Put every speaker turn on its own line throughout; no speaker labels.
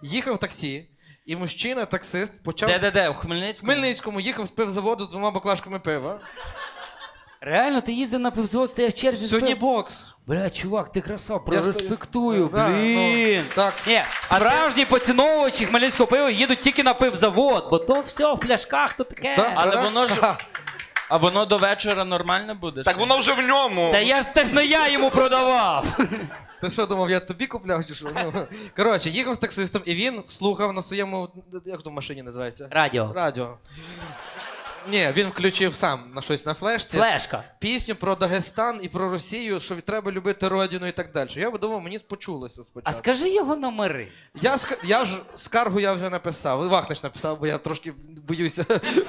Їхав в таксі, і мужчина, таксист, почав...
Де? У
В
Хмельницькому?
Хмельницькому їхав з пивзаводу з 2 баклажками пива.
Реально, ти їздив на пивзавод, стояв в черзі?
Сьогодні бокс.
Бля, чувак, ти красав,
Я
прореспектую,
Да,
блін.
ну, так.
Ні, справжні поціновувачі хмельницького пива їдуть тільки на пивзавод, бо то все в пляшках, то таке.
Да.
Але воно ж... А воно до вечора нормально буде?
Так воно вже в ньому.
Та я ж теж не я йому продавав.
Ти що думав, я тобі купляв чи що? Ну, коротше, їхав з таксистом, і він слухав на своєму, як то в машині називається?
Радіо.
Радіо. Ні, він включив сам на щось на флешці.
Флешка.
Пісню про Дагестан і про Росію, що треба любити родину і так далі. Я думав, мені почулося
А
спочатку.
скажи його номери.
Я ж скаргу я вже написав. Вахнич написав, бо я трошки боюся.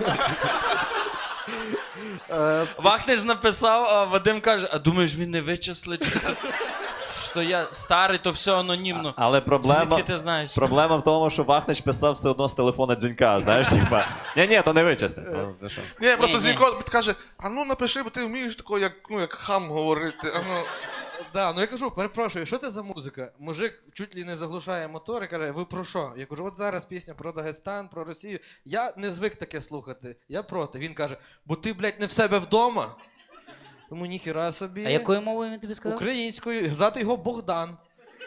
Вахнич написав, а Вадим каже, а думаєш, він не вичислить, що я старий, то все анонімно.
Але
Звідки ти знаєш?
проблема в тому, що Вахнич писав все одно з телефона Дзюнька, знаєш, типа. Ні, то не вичисти.
Ні, просто
Ні.
Зінько підкаже, а ну напиши, бо ти вмієш такого, як хам говорити. А ну.
Да, ну я кажу, перепрошую, що це за музика? Мужик чуть ли не заглушає мотор і каже, ви про що? Я кажу, от зараз пісня про Дагестан, про Росію. Я не звик таке слухати, я проти. Він каже, бо ти, блядь, не в себе вдома. Тому ніхіра собі.
А якою мовою він тобі сказав?
Українською. Звати його Богдан.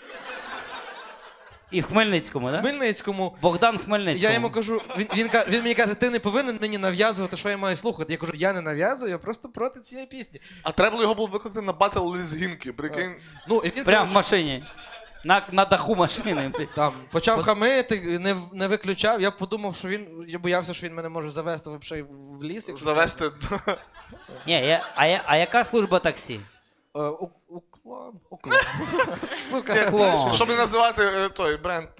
І в Хмельницькому,
В
так?
Хмельницькому.
Богдан в Хмельницькому.
Я йому кажу, він мені каже, ти не повинен мені нав'язувати, що я маю слухати. Я кажу, я не нав'язую, я просто проти цієї пісні.
А треба було його було викликати на батл лезгінки, прикинь.
Ну, і він
Прям в машині. На даху машини.
там почав хамити, не виключав. Я подумав, що я боявся, що він мене може завести взагалі в ліс. якщо
Завести.
Ні, а яка служба таксі?
Уклон. Сука.
Клон.
Щоб не називати той бренд